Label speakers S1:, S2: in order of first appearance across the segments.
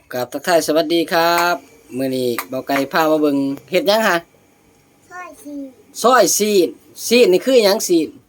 S1: กับทักทายสวัสดีครับมื้อนี้เบาไก่พามาเบิ่งเฮ็ดหยังฮะ
S2: ซอยสี
S1: ซอยซีนนี่คือหยังซีน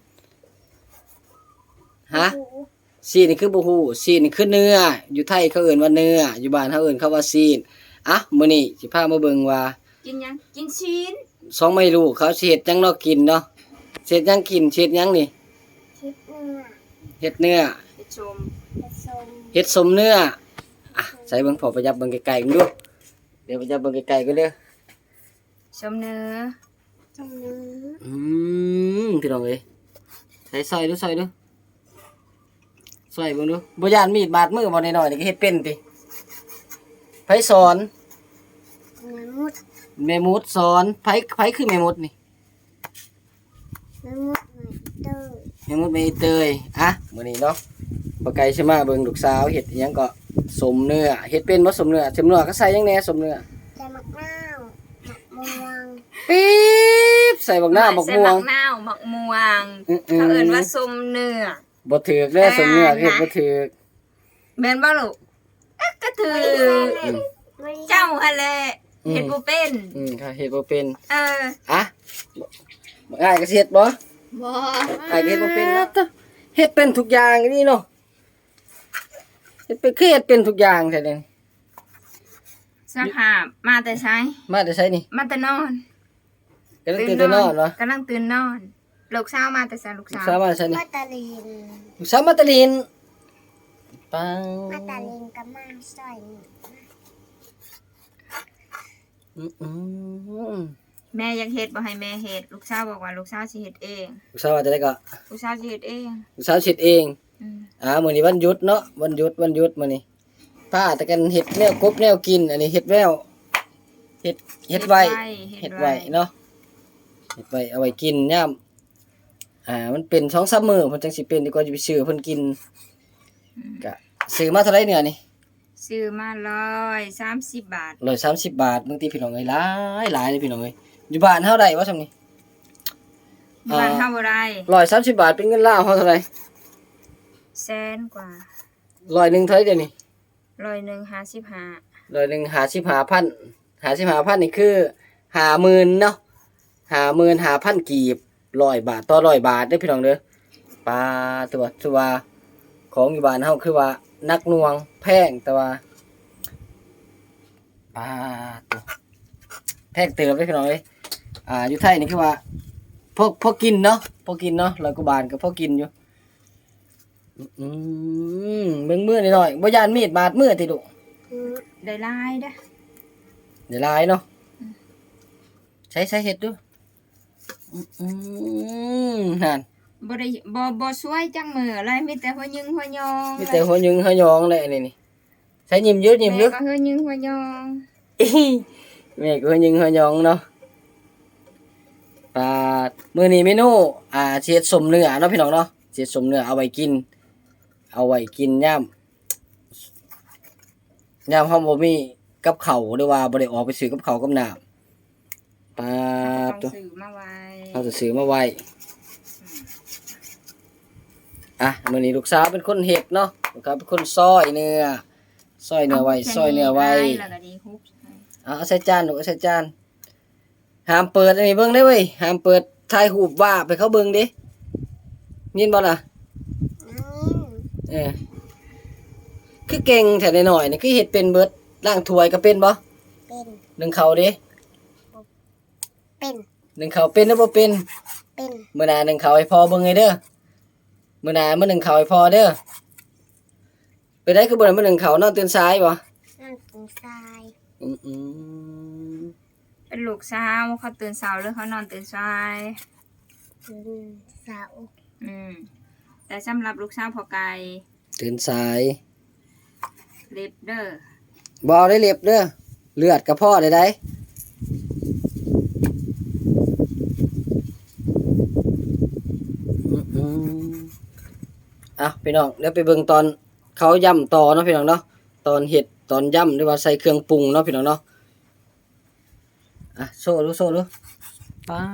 S1: ฮะ
S2: หู
S1: ซีนนี่คือบ่ฮู้ซีนนี่คือเนื้ออยู่ไทยเขาเอิ้นว่าเนื้ออยู่บ้านเฮาเอิ้นเขาว่าซีนอ่ะมื้อนี้สิพามาเบิ่งว่า
S3: กินยังกินชิ้น
S1: สองไม่รู้เขาสิเฮ็ดหยังเนาะกินเนาะสิเฮ็ดหยังกินสิเฮ็ดหยังนี่
S2: คิดเนื้อ
S1: เฮ็ดเนื้อ
S3: ไปชม
S2: ผสม
S1: เฮ็ดสมเนื้ออ่ะใส่เบิ่งพอประยับเบิ่งไกลๆกันดูเดี๋ยวประยับเบิ่งไกลๆกันเด้อ
S3: ชมเนื้อ
S2: ตรงนี้
S1: พี่น้องเอ้ยใส่ซอยดูซอยเบิ่งดูบ่ย่านมีดบาดมือบ่น้อยๆนี่ก็เฮ็ดเป็นติไผสอน
S2: เนื้อมุด
S1: แม่มดสอนไผคือแม่มดนี่
S2: เนื้อมุดหน่อยเตอร์
S1: แม่มดแม่เตยอ่ะมื้อนี้เนาะบ่ไกลสิมาเบิ่งลูกสาวเฮ็ดอิหยังก็สมเนื้อเฮ็ดเป็นบ่สมเนื้อก็ใส่หยังแหน่สมเนื้อ
S2: ใส่มะนาวมะม่วง
S1: ปี๊บใส่บักหน้าบักม่วง
S3: ใส่บักนาวบักม่วงเขาเอิ้นว่าส้มเนื้อ
S1: บ่ถูกเด้อสมเนื้อเฮ็ดบ่ถูก
S3: แม่นบ่ลูกก็ถือเจ้าหั่นแหละเฮ็ดบ่เป็น
S1: ค่ะเฮ็ดบ่เป็น
S3: อ่ะ
S1: อ้ายก็สิเฮ็ดบ่
S3: บ่
S1: อ้ายก็เฮ็ดบ่เป็นนะเฮ็ดเป็นทุกอย่างนี่เนาะเฮ็ดเป็นคือเฮ็ดเป็นทุกอย่างแท้เด้
S3: สภาพมาแต่ไส
S1: มาแต่ไสนี่
S3: มาแต่นอน
S1: กำลังตื่นแต่นอนเนาะ
S3: กำลังตื่นนอนลูกสาวมาแต่ไสลูกสาว
S1: มาแต่ไสนี่
S2: มาตาลิน
S1: ลูกสาวมาตะลินปัง
S2: มาตาลินกับมาซอยนี่
S3: แม่อยากเฮ็ดบ่ให้แม่เฮ็ดลูกสาวบอกว่าลูกสาวสิเฮ็ดเอง
S1: ลูกสาวว่าจะได้ก็
S3: ลูกสาวสิเฮ็ดเอง
S1: ลูกสาวเฮ็ดเองมื้อนี้วันหยุดเนาะวันหยุดมื้อนี้พาแต่กันเฮ็ดแนวกบแนวกินอันนี้เฮ็ดแววเฮ็ดไว้เนาะเฮ็ดไว้เอาไว้กินยามมันเป็น 2-3 มื้อเพิ่นจังสิเป็นดีกว่าจะไปซื้อเพิ่นกินก็ซื้อมาเท่าไหร่เนี่ยนี่
S3: ซื้อมา130 บาท
S1: 130 บาทบางทีพี่น้องเอ้ยหลายเลยพี่น้องเอ้ยอยู่บ้านเฮาได้บ่ซำนี้
S3: บ้านเฮาบ่ได้
S1: 130 บาทเป็นเงินลาวเฮาเท่าไหร่
S3: แสนกว่า
S1: ร้อยหนึงเท่าไหร่เดี๋ยวนี้
S3: 155
S1: 55,000นี่คือ50,000เนาะ55,000กีบ100 บาทต่อ100 บาทเด้อพี่น้องเด้อปลาตัวว่าของอยู่บ้านเฮาคือว่านักหน่วงแพงแต่ว่าปลาตัวแพงเติบเด้อพี่น้องเอ้ยอยู่ไทยนี่คือว่าพอกินเนาะ100 กว่าบาทก็พอกินอยู่เบิ่งมือหน่อยบ่ย่านมีดบาดมือติลูก
S3: ได้หลายเด้อ
S1: ได้หลายเนาะใช้เฮ็ดดูนั่น
S3: บ่ได้บ่สวยจังมื้ออะไรมีแต่หัวยึงหัวยอง
S1: มีแต่หัวยึงหัวยองเลยนี่ใช้ยิ้มเยอะ
S3: แม่ก็หัวยึงหัวยอง
S1: แม่ก็หัวยึงหัวยองเนาะมื้อนี้เมนูสิเฮ็ดสมเนื้อเนาะพี่น้องเนาะสิเฮ็ดสมเนื้อเอาไว้กินยามเฮาบ่มีกับข้าวหรือว่าบ่ได้ออกไปซื้อกับข้าวกับน้ำ
S3: ต้องซื้อมาไว้
S1: เราจะซื้อมาไว้มื้อนี้ลูกสาวเป็นคนเฮ็ดเนาะลูกสาวเป็นคนซอยเนื้อไว้
S3: แล้วก็ดีฮุบ
S1: เอาใส่จานลูกเอาใส่จานห้ามเปิดอันนี้เบิ่งได้เว้ยห้ามเปิดถ่ายรูปว่าไปเขาเบิ่งดิยินบ่ล่ะคือเก่งแท้น้อยๆนี่คือเฮ็ดเป็นเบิดล้างถ้วยก็เป็นบ่
S2: เป็น
S1: นึ่งข้าวดิ
S2: เป็น
S1: นึ่งข้าวเป็นหรือบ่เป็น
S2: เป็น
S1: มื้อหน้านึ่งข้าวให้พ่อเบิ่งให้เด้อมื้อหน้ามื้อนึ่งข้าวให้พ่อเด้อไปได้คือบ่ได้มื้อนึ่งข้าวนอนตื่นสายบ่
S2: นอนตื่นสาย
S3: เป็นลูกสาวเขาตื่นเช้าหรือเขานอนตื่นสาย
S2: ตื่นเช้า
S3: แต่สำหรับลูกสาวพ่อไก่
S1: ตื่นสาย
S3: เล็บเด้อ
S1: บ่ได้เล็บเด้อเลือดกระเพาะได้พี่น้องเดี๋ยวไปเบิ่งตอนเขาย่ำต่อเนาะพี่น้องเนาะตอนเห็ดตอนย่ำหรือว่าใส่เครื่องปรุงเนาะพี่น้องเนาะโซ่ดูปา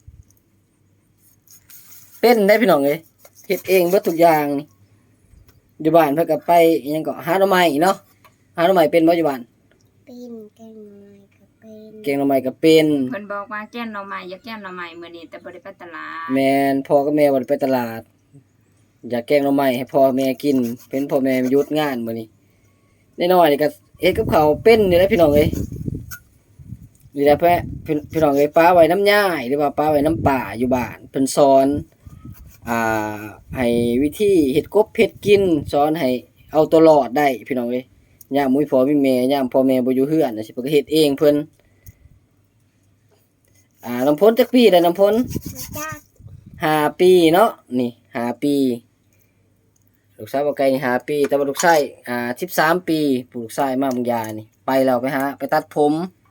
S1: เป็นได้พี่น้องเอ้ยเฮ็ดเองเบิดทุกอย่างนี่อยู่บ้านเพิ่นก็ไปอิหยังก็หาหน่อไม้เนาะหาหน่อไม้เป็นบ่อยู่บ้าน
S2: เป็นแกงหน่อยก็เป็น
S1: เก่งหน่อไม้ก็เป็น
S3: เพิ่นบอกว่าแก้มหน่อไม้อยากแก้มหน่อไม้มื้อนี้แต่บ่ได้ไปตลาด
S1: แม่นพ่อกับแม่บ่ได้ไปตลาด อยากแกงหน่อไม้ให้พ่อแม่กินเป็นพ่อแม่หยุดงานมื้อนี้น้อยๆนี่ก็เฮ็ดกับข้าวเป็นนี่แหละพี่น้องเอ้ยนี่แหละพี่น้องเอ้ยป้าไว้น้ำย่ายหรือว่าป้าไว้น้ำป่าอยู่บ้านเพิ่นสอนให้วิธีเฮ็ดกบเฮ็ดกินสอนให้เอาตัวรอดได้พี่น้องเอ้ยยามมุ้ยพ่อมีแม่ยามพ่อแม่บ่อยู่เฮือนน่ะสิเพิ่นก็เฮ็ดเองเพิ่นน้ำพ้นจักปีได้น้ำพ้น
S2: จัก
S1: 5 ปีเนาะนี่5 ปีลูกชายบ่ไกลนี่5 ปีแต่ว่าลูกชาย13 ปีผู้ลูกชายมาเมืองยานี่ไปแล้วไปตัดผม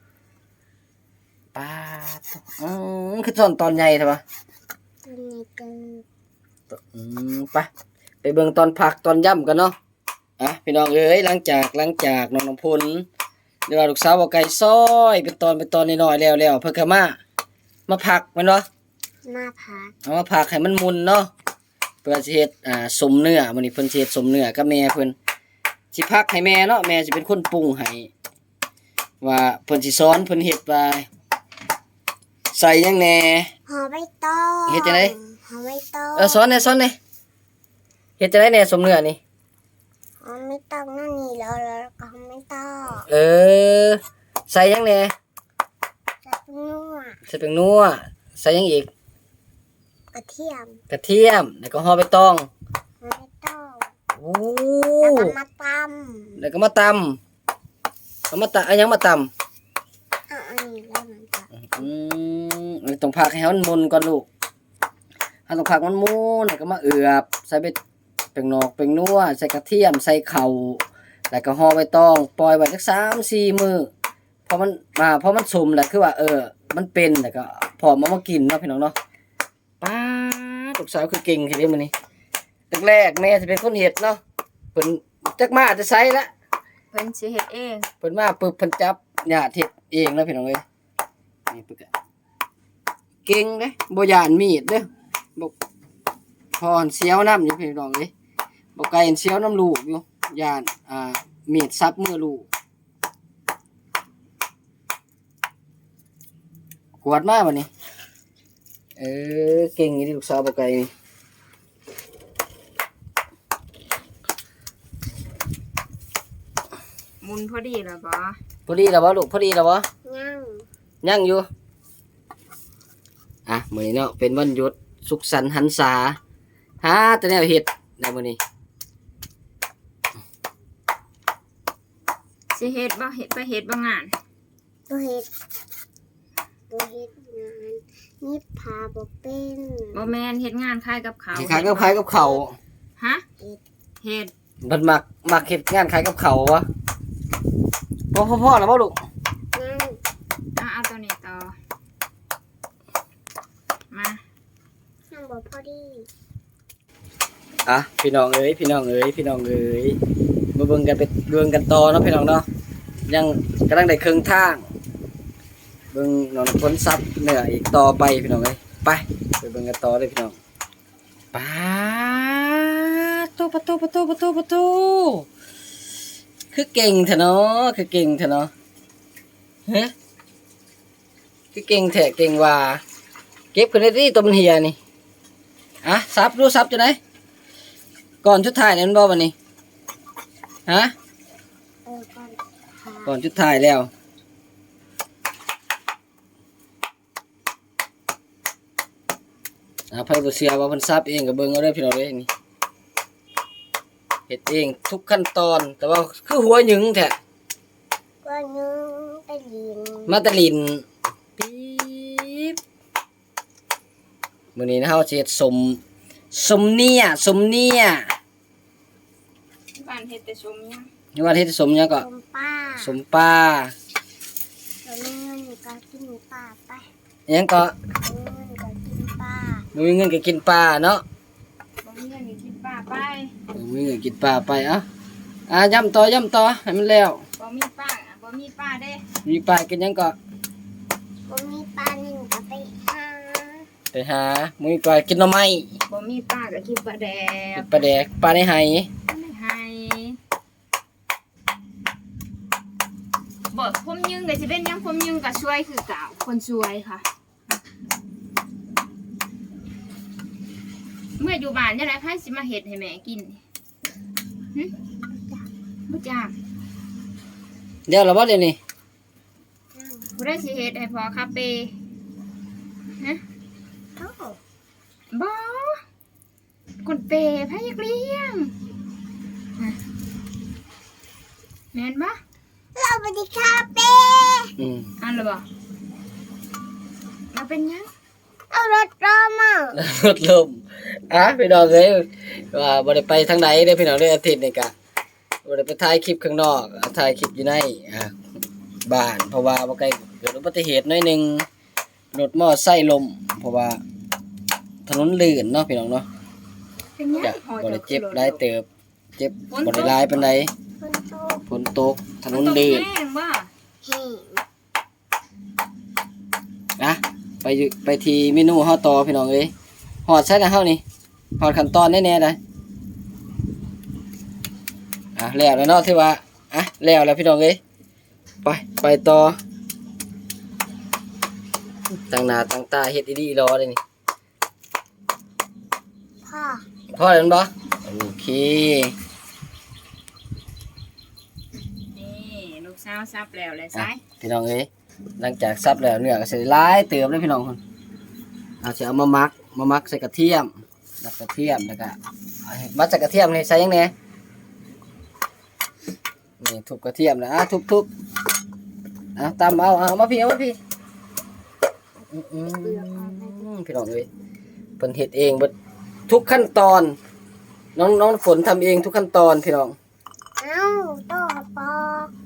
S1: ป๊าดคือตอนใหญ่ใช่ปะ
S2: ตัวนี้เกิด
S1: ไปเบิ่งตอนพักตอนย่ำกันเนาะพี่น้องเอ้ยหลังจากน้องน้ำพลเดี๋ยวว่าลูกสาวบ่ไกลซอยเป็นตอนน้อยๆแล้วเพิ่นก็มาพักแม่นบ่
S2: มาพัก
S1: เอามาพักให้มันมุนเนาะเพื่อสิเฮ็ดสมเนื้อมื้อนี้เพิ่นสิเฮ็ดสมเนื้อกับแม่เพิ่นสิพักให้แม่เนาะแม่สิเป็นคนปรุงให้ว่าเพิ่นสิสอนเพิ่นเฮ็ดว่าใส่หยังแหน่
S2: ห่อใบตอง
S1: เฮ็ดจังได๋
S2: ห่อใบตอง
S1: สอนแหน่เฮ็ดจังได๋แหน่สมเนื้อนี่
S2: ห่อใบตองนั่นนี่แล้วก็ห่อใบตอง
S1: ใส่หยังแหน่
S2: จะนัว
S1: ใส่เป็นนัวใส่หยังอีก
S2: กระเทียม
S1: กระเทียมแล้วก็ห่อใบตอง
S2: ห่อใบตอง
S1: โอ้
S2: แล้วก็มาต
S1: แล้วก็มาตำเอาหยังมาตำ
S2: ำอันนี้แล้วมันจะ
S1: ต้องพักให้มันมุนก่อนลูกต้องพักมันมุนแล้วก็มาเอือบใส่เป็นนอกเป็นนัวใส่กระเทียมใส่เข่าแล้วก็ห่อใบตองปล่อยไว้สัก3-4 มื้อพอมันสุมแล้วคือว่ามันเป็นแล้วก็พอมากินเนาะพี่น้องเนาะป้าลูกสาวคือเก่งแค่นี้มื้อนี้แรกๆแม่สิเป็นคนเฮ็ดเนาะเพิ่นจักมาจะใส่ละ
S3: เพิ่นสิเฮ็ดเอง
S1: เพิ่นมาปึ๊บเพิ่นจับญาติเฮ็ดเองแล้วพี่น้องเอ้ยนี่ปึ๊กอะเก่งเด้บ่ย่านมีดเด้อบ่พรเสียวน้ำอยู่พี่น้องเอ้ยบ่ไกลเสียวน้ำลูกอยู่ย่านมีดซับมือลูกกวาดมาบัดนี้เก่งอีหลีลูกสาวบ่ไกลนี่
S3: มุนพอดีแล้วบ่
S1: พอดีแล้วบ่ลูกพอดีแล้วบ่
S2: ย่าง
S1: ยังอยู่มื้อนี้เนาะเป็นวันหยุดสุขสันต์หันษาหาแต่แนวเฮ็ดได้มื้อนี้
S3: สิเฮ็ดบ่เฮ็ดไปเฮ็ดบ่งาน
S2: ตัวเห็ดงานนี่พาบ่เป็น
S3: บ่แม่นเฮ็ดงานขายกับเขาว
S1: ขายกับข้าว
S3: ฮะเฮ็ด
S1: มันมักเฮ็ดงานขายกับข้าววะพ่อแล้วบ่ลูก
S2: ย่าง
S3: เอาตัวนี้ต่อมา
S2: ย่างบ่พอดี
S1: พี่น้องเอ้ยมาเบิ่งกันต่อเนาะพี่น้องเนาะยังกำลังได้ครึ่งทางเบิ่งน้องพ้นซับเนื้ออีกต่อไปพี่น้องเอ้ยไปเบิ่งกันต่อเลยพี่น้องปาประตูคือเก่งเถอะเนาะฮะคือเก่งแท้เก่งว่าเก็บขึ้นได้ที่ตัวมันเหียนี่ซับจังได๋ก่อนชุดท้ายนี่มันบ่บัดนี้ฮะ ก่อนชุดท้ายแล้วไผบ่เชื่อว่าเพิ่นซับเองก็เบิ่งเอาเด้อพี่น้องเด้นี่เฮ็ดเองทุกขั้นตอนแต่ว่าคือหัวหยึงแท้
S2: ก็นึงไปลิน
S1: มาตะลินปี๊บมื้อนี้นะเฮาสิเฮ็ดสมเนี่ย
S3: บ้านเฮ็ดแต่ชมยัง
S1: นี่ว่าเฮ็ดสมหยังก็
S2: สมป้า
S1: สมปลา
S2: แล้วมีเงินก็กินป้าไป
S1: หยังก็
S2: มีเงินก็กินป้า
S1: บ่มีเงินก็กินปลาเนาะ
S3: บ่มีเงินก็กินป้าไป
S1: บ่มีเงินกินปลาไปย่ำต่อให้มันแล้ว
S3: บ่มีป้าเด้
S1: มีปลากินหยังก็
S2: บ่มีป้านึ่งก็ไปหา
S1: มื้อก่อนกินหน่อไม้
S3: บ่มีป้าก็กินปลาแด
S1: กิ
S3: ก
S1: นปลาแดกปลาในไห
S3: ไม่หผมยึงก็สิเป็นหยังผมยึงก็ช่วยคือเก่าคนช่วยค่ะ เมื่ออยู่บ้านจังได๋ไผสิมาเฮ็ดให้แม่กินหึบ่จ้า
S1: เดี๋ยวเราบ่เดี๋ยวนี้
S3: ผู้ใดสิเฮ็ดให้พ่อคาเป้ฮะ
S2: โอ้
S3: บ่คนเปไผอยากเลี้ยงฮะแม่นบ่
S2: เราไปที่คาเฟ่
S3: อันละบ่มาเป็นหยัง
S2: เอารถรอมา
S1: รถลมพี่น้องเอ้ยว่าบ่ได้ไปทางใดเด้อพี่น้องเด้ออาทิตย์นี้ก็บ่ได้ไปถ่ายคลิปข้างนอกถ่ายคลิปอยู่ในบ้านเพราะว่าบ่ไกลเกิดอุบัติเหตุหน่อยหนึงรถมอไซค์ล้มเพราะว่าถนนลื่นเนาะพี่น้องเนาะ
S3: เป็นหยัง
S1: จะ
S3: พอ
S1: บ่ได้
S3: จะ
S1: เจ็บ
S3: ขึ้นรถ
S1: หลายเติบเจ็บบ่ได้หลายปานใด
S2: คนโต
S1: ฝนตกถนนลื่น
S3: แห้งบ่
S2: แห้ง
S1: นะไปที่เมนูเฮาต่อพี่น้องเอ้ยฮอดใช่แล้วเฮานี่ฮอดขั้นตอนแน่ๆได้แล้วเนาะที่ว่าแล้วพี่น้องเอ้ยไปต่อตั้งหน้าตั้งตาเฮ็ดดีๆรอเลยนี่
S2: พ่อ
S1: พอแล้วบ่โอเค
S3: นี่ลูกสาวซับแล้วเลยไส
S1: พี่น้องเอ้ยหลังจากซับแล้วเนื้อก็สิหลายเติมเลยพี่น้องคนสิเอามามักใส่กระเทียมแล้วก็มัดใส่กระเทียมนี่ใส่ยังไงนี่ทุบกระเทียมนะทุบตำเอามาพี่พี่น้องเอ้ยเพิ่นเฮ็ดเองเบิดทุกขั้นตอนน้องฝนทำเองทุกขั้นตอนพี่น้อง
S2: เอ้าต่อปอก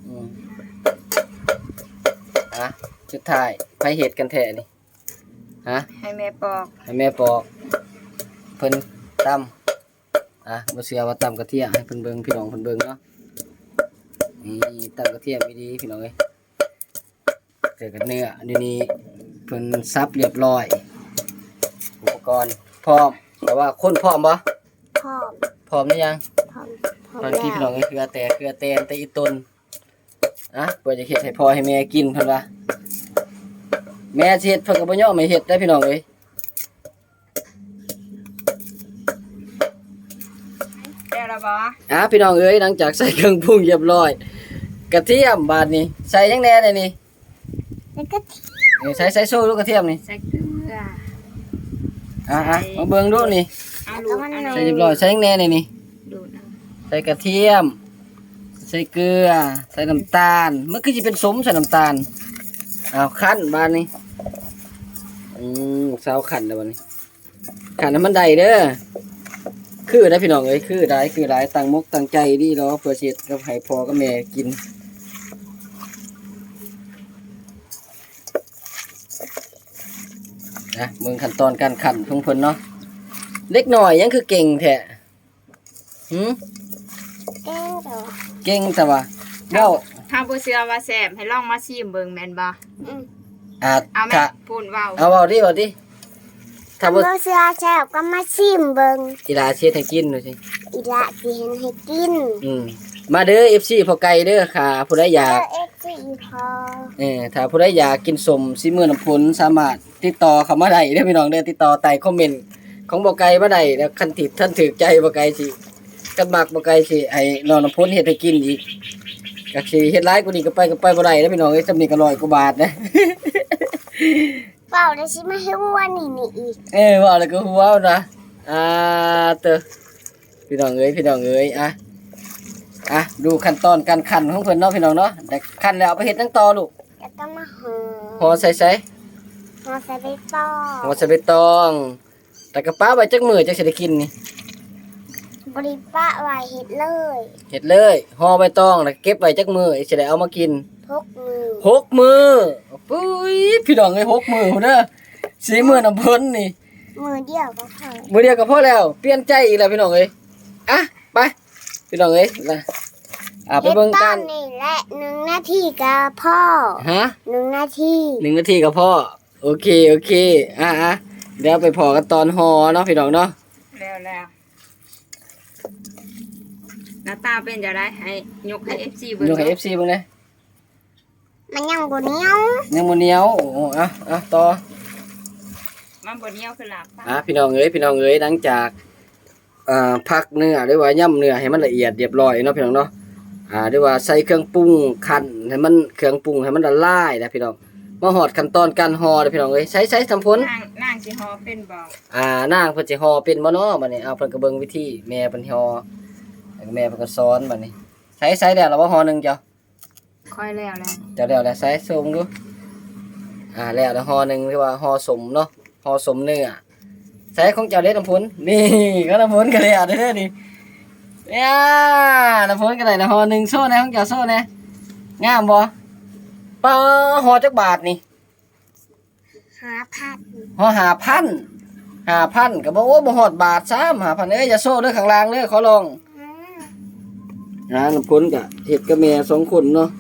S1: สุดท้ายไปเฮ็ดกันแท้นี่
S3: ให้แม่ปอก
S1: ให้แม่ปอกเพิ่นตำบ่เชื่อว่าตำกระเทียมให้เพิ่นเบิ่งพี่น้องเพิ่นเบิ่งเนาะนี่ตำกระเทียมดีๆพี่น้องเอ้ยเจอกับเนื้ออันนี้เพิ่นซับเรียบร้อยอุปกรณ์พร้อมแต่ว่าคนพร้อมบ่
S2: พร้อม
S1: หรือยัง
S2: พร้อม
S1: บางทีพี่น้องเอ้ยเกลือแตนแต่อีต้นเพิ่นจะเฮ็ดให้พ่อให้แม่กินเพิ่นว่าแม่สิเฮ็ดเพิ่นก็บ่ยอมให้เฮ็ดได้พี่น้องเอ้ย
S3: แล้วล่ะบ่
S1: พี่น้องเอ้ยหลังจากใส่เครื่องปรุงเรียบร้อยกระเทียมบาดนี้ใส่ยังแหน่เลยนี่
S2: แล้วก็
S1: นี่ใส่โซ่ลูกกระเทียมนี่
S3: ใส่เกลือ
S1: มาเบิ่งดูนี่
S3: เอาลูกอัน
S1: ใส่
S3: นี้
S1: เรียบร้อยใส่ยังแหน่เลยนี่
S3: ดูดเอา
S1: ใส่กระเทียมใส่เกลือใส่น้ำตาลมันคือสิเป็นสมใส่น้ำตาลคั่นบาดนี้สาวคั่นแล้วบัดนี้คั่นให้มันได้เด้อคือได้พี่น้องเอ้ยคือได้ตั้งมกตั้งใจดีรอเพื่อสิเฮ็ดกับให้พ่อกับแม่กินเบิ่งขั้นตอนการคั่นของเพิ่นเนาะเล็กน้อยยังคือเก่งแท้
S2: แก้งเดี๋ยว
S1: เก่งแต่ว่าเว้า
S3: ถ้าบ่เชื่อว่าแซ่บให้ลองมาชิมเบิ่งแม่นบ่ เอาแม่
S1: ถ้า
S3: พูดเว้า
S1: เอาเว้าดิถ้าบ่
S2: เมื่อเสือแซ่บก็มาชิมเบิ่ง
S1: อีหลาสิเฮ็ดให้กินหน่อยสิ
S2: อีละสิเห็นให้กิน
S1: มาเด้อ FC พอไก่เด้อค่ะผู้ใดอยาก
S2: เอ็กซ์อีพอ
S1: ถ้าผู้ใดอยากกินสมซิมือน้ำผลสามารถติดต่อเข้ามาได้เด้อพี่น้องเด้อติดต่อใต้คอมเมนต์ของบ่ไก่มาได้แล้วคันที่ท่านถูกใจบ่ไก่สิกันมักบ่ไก่สิให้น้องน้ำผลเฮ็ดให้กินอีกก็สิเฮ็ดหลายกว่านี้ก็ไปบ่ได้เด้อพี่น้องเอ้ยจำนี้ก็100กว่าบาทนะ
S2: เปล่าได้ชิมาให้ว่านี่อีก
S1: ว่าแล้วก็ฮู้ว่านะเตอพี่น้องเอ้ยดูขั้นตอนการคั่นของเพิ่นเนาะพี่น้องเนาะแต่คั่นแล้วเอาไปเฮ็ดจังต่อลูก
S2: แล้วก็มา
S1: ห่
S2: อ
S1: อใส่
S2: ห่อใส่ใบตอง
S1: ห่อใส่ใบตองแต่กระป้าไว้จักมื้อจักสิได้กินนี่
S2: บริปะไว้เฮ็ดเลย
S1: เฮ็ดเลยห่อใบตองแล้วเก็บไว้จักมื้อสิได้เอามากิน
S2: ทุกมือ
S1: 6 มื้อปุ้ยพี่น้องเอ้ย6 มื้อพุ่นเด้อ4 มื้อน้ำเพิ่นนี่
S2: มือเดียวก็พอ
S1: มื้อเดียวก็พอแล้วเปลี่ยนใจอีกแล้วพี่น้องเอ้ยไปพี่น้องเอ้ยไปเบิ่งกัน
S2: ฮ็ดตอนี่แหละ1 นาทีก็พ่อ 1 นาที
S1: 1 นาทีก็พอโอเคเดี๋ยวไปพอกันตอนห่อเนาะพี่น้องเนาะ
S3: แล้วหน้าตาเป็นจะได้ให้ยกให้ FC เบิ่ง
S1: ยกให้ FC เบิ่งนะ
S2: มันยังบ่เหนียว
S1: ยังบ่เหนียวโอ้อ่ะต่อ
S3: มันบ่เหนียวคือลาบปลา
S1: พี่น้องเอ้ยหลังจากพักเนื้อหรือว่าย่ำเนื้อให้มันละเอียดเรียบร้อยเนาะพี่น้องเนาะหรือว่าใส่เครื่องปรุงคั่นให้มันเครื่องปรุงให้มันละลายนะพี่น้องมาฮอดขั้นตอนการห่อเด้อพี่น้องเอ้ยใช้ทำผล
S3: นางสิฮอเป็นบ่
S1: นางเพิ่นสิห่อเป็นบ่เนาะบัดนี้เพิ่นก็เบิ่งวิธีแม่เพิ่นห่อแล้วก็แม่เพิ่นก็สอนบัดนี้ใช้แล้วเราบ่ห่อหนึงจ้ะ
S3: ค่อยแล้วแหละ
S1: จะแล้วใช้ส่งดูแล้วห่อหนึงหรือว่าห่อสมเนาะห่อสมเนื้อใช้ของเจ้าเด้น้ำผลนี่ก็น้ำผลก็แล้วเด้อนี่เนี่ยน้ำผลก็ได้ห่อหนึงโซ่แน่ของเจ้าโซ่แน่งามบ่ป้าห่อจักบาทนี่
S2: 5,000
S1: ห่อ5,000ก็บ่โอ้บ่ฮอดบาทซ้ำ5,000เอ้ยอย่าโซ่เด้อข้างล่างเด้อขอลองน้ำผลก็เฮ็ดกับแม่2คนเนาะ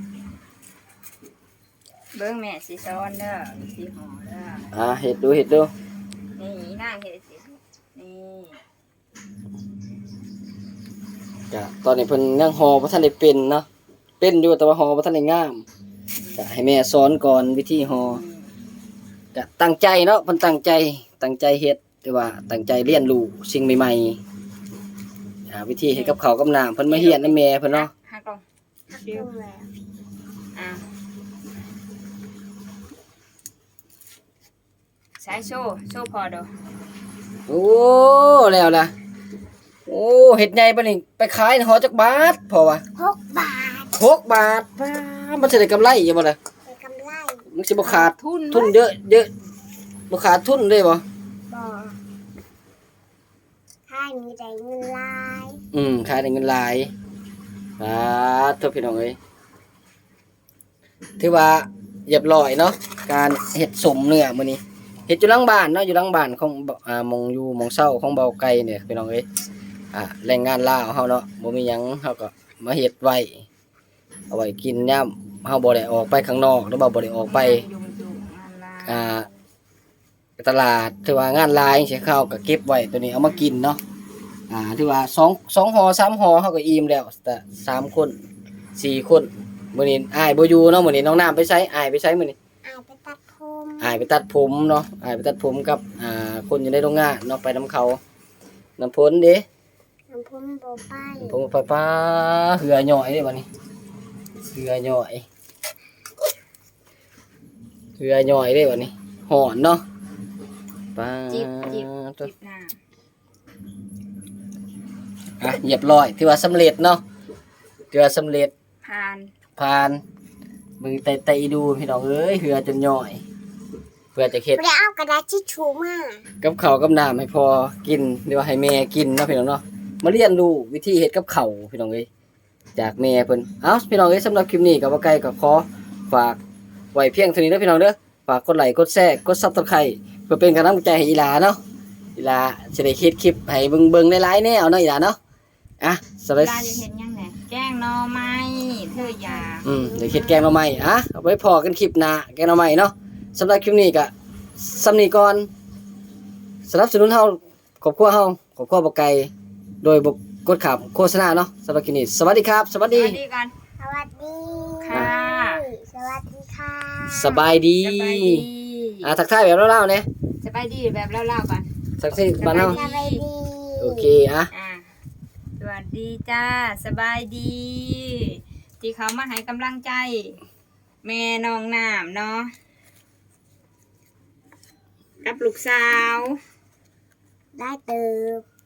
S3: เบิ่งแม่สิสอนเด้อสิฮอเด้อ
S1: เฮ็ดดู
S3: นี่นางเฮ็ดสินี่
S1: ก็ตอนนี้เพิ่นยังห่อบ่ทันได้เป็นเนาะเป็นอยู่แต่ว่าห่อบ่ทันได้งามก็ให้แม่สอนก่อนวิธีห่อก็ตั้งใจเนาะเพิ่นตั้งใจเฮ็ดแต่ว่าตั้งใจเรียนรู้สิ่งใหม่ๆวิธีเฮ็ดกับข้าวกับน้ำเพิ่นมาเรียนนำแม่เพิ่นเนาะ
S3: หักลง
S2: ดูแล้ว
S3: อ่ะใช้โซ่พอเด้อ
S1: โอ้แล้วล่ะโอ้เฮ็ดใหญ่ปานนี้ไปขายห่อจักบาทพอวะ
S2: 6 บาท
S1: 6 บาทป้ามันสิได้กำไรอยู่บ่ล่ะ
S2: เป็นกำไร
S1: มันสิบ่ขาด
S3: ทุน
S1: เยอะบ่ขาดทุนได้บ่
S2: บ่ถ้ามีได้เงินหลาย
S1: ขายได้เงินหลายโทษพี่น้องเอ้ยถือว่าเรียบร้อยเนาะการเฮ็ดสมเนื้อมื้อนี้เฮ็ดอยู่หลังบ้านเนาะอยู่หลังบ้านของหม่องเช้าของเบาไก่เนี่ยพี่น้องเอ้ยแรงงานลาวเฮาเนาะบ่มีหยังเฮาก็มาเฮ็ดไว้เอาไว้กินยามเฮาบ่ได้ออกไปข้างนอกหรือว่าบ่ได้ออกไป
S3: ยุ่งงานลา
S1: ตลาดถือว่างานลายจังซี่เขาก็เก็บไว้ตัวนี้เอามากินเนาะถือว่า2ห่อ3ห่อเฮาก็อิ่มแล้วแต่3คน4คนมื้อนี้อ้ายบ่อยู่เนาะมื้อนี้น้องน้ำไปไสอ้ายไปไสมื้อนี้
S2: ไปตัดผม
S1: อ้ายไปตัดผมเนาะอ้ายไปตัดผมกับคนอยู่ในโรงงานเนาะไปนํเขาน้ำพ้นเด้
S2: น้ำผมบ่ไป
S1: ผมไปป้าเหือหย่อยเด้บัดนี้เหือหย่อยเด้บัดนี้หอนเนาะป้า
S3: จิบน้ำ
S1: เรียบร้อยถือว่าสำเร็จเนาะถือว่าสำเร็จ
S3: ผ่าน
S1: มือไตดูพี่น้องเอ้ยเหือจนย่อย เพื่อจะเฮ็ด
S2: บ่ได้เอากระดาษทิชชู่มา
S1: กับข้าวกับน้ำให้พอกินหรือว่าให้แม่กินเนาะพี่น้องเนาะมาเรียนรู้วิธีเฮ็ดกับข้าวพี่น้องเอ้ยจากแม่เพิ่นพี่น้องเอ้ยสำหรับคลิปนี้ก็บ่ไกลก็ขอฝากไว้เพียงเท่านี้เด้อพี่น้องเด้อฝากกดไลค์กดแชร์กด Subscribe เพื่อเป็นกำลังใจให้อีหลาเนาะอีหลาสิได้เฮ็ดคลิปให้เบิ่งๆหลายๆแนวเนาะอีหลาเนาะสวัส
S3: เว
S1: ดี
S3: ลาจะเห็นยังไงแกงหน่อไม้เธออย่า
S1: เดี๋ยวเฮ็ดแกงหน่อไม้เอาไว้พอกันคลิปหน้าแกงหน่อไม้เนาะสำหรับคลิปนี้ก็สำนี้ก่อนสนับสนุนเฮาครอบครัวเฮาครอบครัวบ่ไกลโดยบ่กดขับโฆษณาเนาะสำหรับคลิปนี้สวัสดีครับ สวัส
S3: ส
S1: ดี
S3: วัสดีกัน
S2: สวัสดี
S3: ค่ะ
S2: สวัสดีค่ะ
S1: สบายดี
S3: สบายดี
S1: ทักทายแบบเล่าๆเนี่ย
S3: สบายดีแบบเล่าๆกัน
S1: สักสิบ้านเฮา
S2: สบายดี
S1: โอเค
S3: สวัสดีจ้าสบายดี ที่เขามาให้กำลังใจ แม่น้องน้ำเนาะกับลูกสาว
S2: ได้เติบ